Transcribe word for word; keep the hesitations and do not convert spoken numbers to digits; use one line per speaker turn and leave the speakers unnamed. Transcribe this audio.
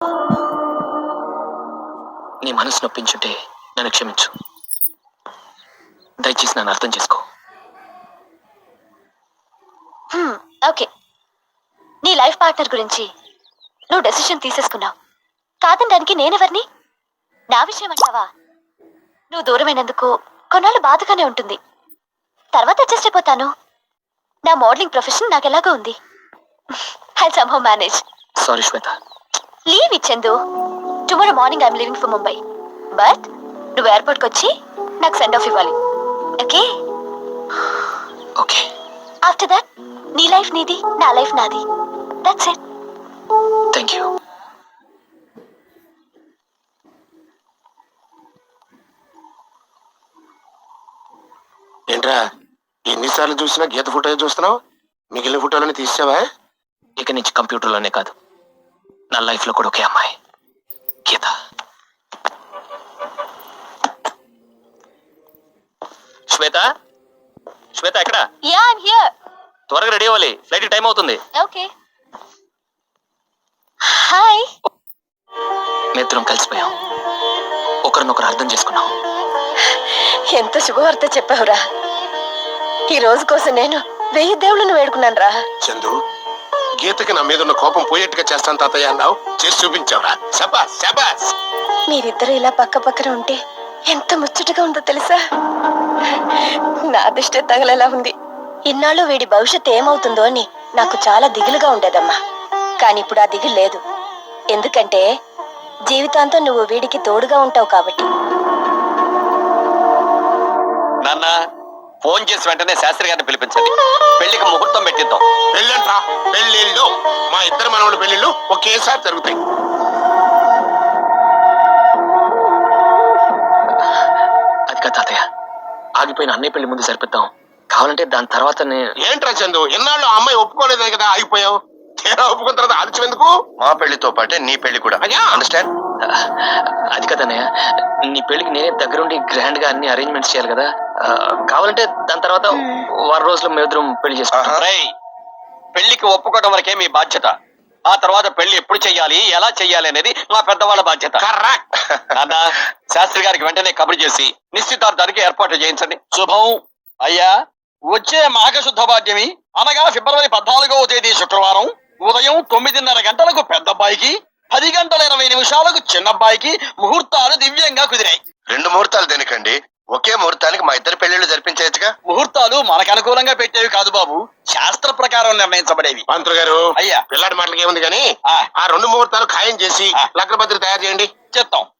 నీ మనసు నొప్పించుంటే నన్ను క్షమించు. దయచేసి నన్ను అర్థం చేసుకో.
ఓకే, నీ లైఫ్ పార్ట్నర్ గురించి నువ్వు డెసిషన్ తీసేసుకున్నావు. కాదనడానికి నేనెవరిని? నా విషయం అంటావా? నువ్వు దూరమైనందుకు కొన్నాళ్ళు బాధగానే ఉంటుంది. తర్వాత అడ్జస్ట్ అయిపోతాను. నా మోడలింగ్ ప్రొఫెషన్ నాకు ఎలాగో ఉంది. I somehow manage.
Sorry Shweta.
Leave ఇచ్చేందు. Tomorrow morning I'm leaving for Mumbai. But నువ్వు ఎయిర్పోర్ట్కి వచ్చి నాకు సెండ్ ఆఫ్ ఇవ్వాలి. ఓకే?
ఓకే.
ఆఫ్టర్ దట్ నీ లైఫ్ నీది, నా లైఫ్ నాది. That's it.
Thank you.
ఏంట్రా ఎన్నిసార్లు చూసినా గీత ఫోటో చూస్తున్నావు? మిగిలిన ఫోటోలని తీసావా?
ఇక నుంచి కంప్యూటర్లోనే కాదు, నా లైఫ్లో కూడా ఒకే అమ్మాయి, గీత. శ్వేత, శ్వేత ఎక్కడ?
Yeah I'm here.
త్వరగా రెడీ అవ్వాలి, ఫ్లైట్ టైం అవుతుంది.
ఓకే. హాయ్.
మేమిద్దరం కలిసిపోయాం, ఒకరినొకరు అర్థం చేసుకున్నాం.
ఎంత శుభవార్త చెప్పావురా. ఈ రోజు కోసం నేను వెయ్యి దేవుళ్ళను వేడుకున్నాను రా.
చందు, గీతకి నా మీద ఉన్న కోపం పోయేట్టుగా చేస్తాను తాతయ్య అన్నావు, చేసి చూపించావురా. శబాస్ శబాస్.
మీరిద్దరు ఇలా పక్క పక్కన ఉంటే ఎంత ముచ్చటగా ఉందో తెలుసా? నా అదృష్టే తగలేలా ఉంది. ఇన్నాళ్ళు వీడి భవిష్యత్తు ఏమవుతుందో అని నాకు చాలా దిగులుగా ఉండేదమ్మా. కానీ ఇప్పుడు ఆ దిగులు లేదు. ఎందుకంటే జీవితాంతం నువ్వు వీడికి తోడుగా ఉంటావు కాబట్టి.
నాన్న, ఫోన్ చేసి వెంటనే శాస్త్రి గారిని పిలిపించండి. పెళ్లికి ముహూర్తం పెట్టిద్దాం.
పెళ్ళంట్రా, పెళ్ళిళ్ళు. మా ఇద్దరు మనవల పెళ్ళిళ్ళు ఒకేసారి జరుగుతాయి.
అది కాదు తాతయ్య, ఆగిపోయిన అన్నయ్య పెళ్లి ముందు సరిపిద్దాం. కావాలంటే దాని తర్వాత
ఏంట్రా చందు, ఎన్నాళ్ళు ఆ అమ్మాయి ఒప్పుకోలేదే కదా ఆగిపోయావు? తీరా ఒప్పుకున్న తర్వాత ఆలస్యం ఎందుకు?
మా పెళ్లితో పాటే నీ పెళ్లి కూడా. అండర్స్టాండ్?
అది కదన్నయ్య, నీ పెళ్లికి నేనే దగ్గరుండి గ్రాండ్ గా అన్ని అరేంజ్మెంట్స్ చేయాలి కదా. కావాలంటే దాని తర్వాత వారం రోజులు మేమిద్దరం పెళ్లి చేసుకుంటాం.
పెళ్లికి ఒప్పుకోవడం వరకే మీ బాధ్యత. ఆ తర్వాత పెళ్లి ఎప్పుడు చెయ్యాలి, ఎలా చెయ్యాలి అనేది మా పెద్దవాళ్ళ బాధ్యత. నాన్న, శాస్త్రి గారికి వెంటనే కబురు చేసి నిశ్చితార్థానికి ఏర్పాట్లు చేయించండి. శుభం. అయ్యా, వచ్చే మాఘ శుద్ధ పాడ్యమి అనగా ఫిబ్రవరి పద్నాలుగవ తేదీ శుక్రవారం ఉదయం తొమ్మిదిన్నర గంటలకు పెద్దబ్బాయికి, పది గంటల ఇరవై నిమిషాలకు చిన్నబ్బాయికి ముహూర్తాలు దివ్యంగా కుదిరాయి.
రెండు ముహూర్తాలు దేనికండి? ఒకే ముహూర్తానికి మా ఇద్దరు పెళ్లిళ్ళు జరిపించగా.
ముహూర్తాలు మనకు అనుకూలంగా పెట్టేవి కాదు బాబు, శాస్త్ర ప్రకారం నిర్ణయించబడేవి.
పంతులు గారు,
అయ్యా,
పిల్లాడి మాటలకి ఏముంది కానీ ఆ రెండు ముహూర్తాలు ఖాయం చేసి లగ్నపత్రిక తయారు చేయండి.
చెప్తాం.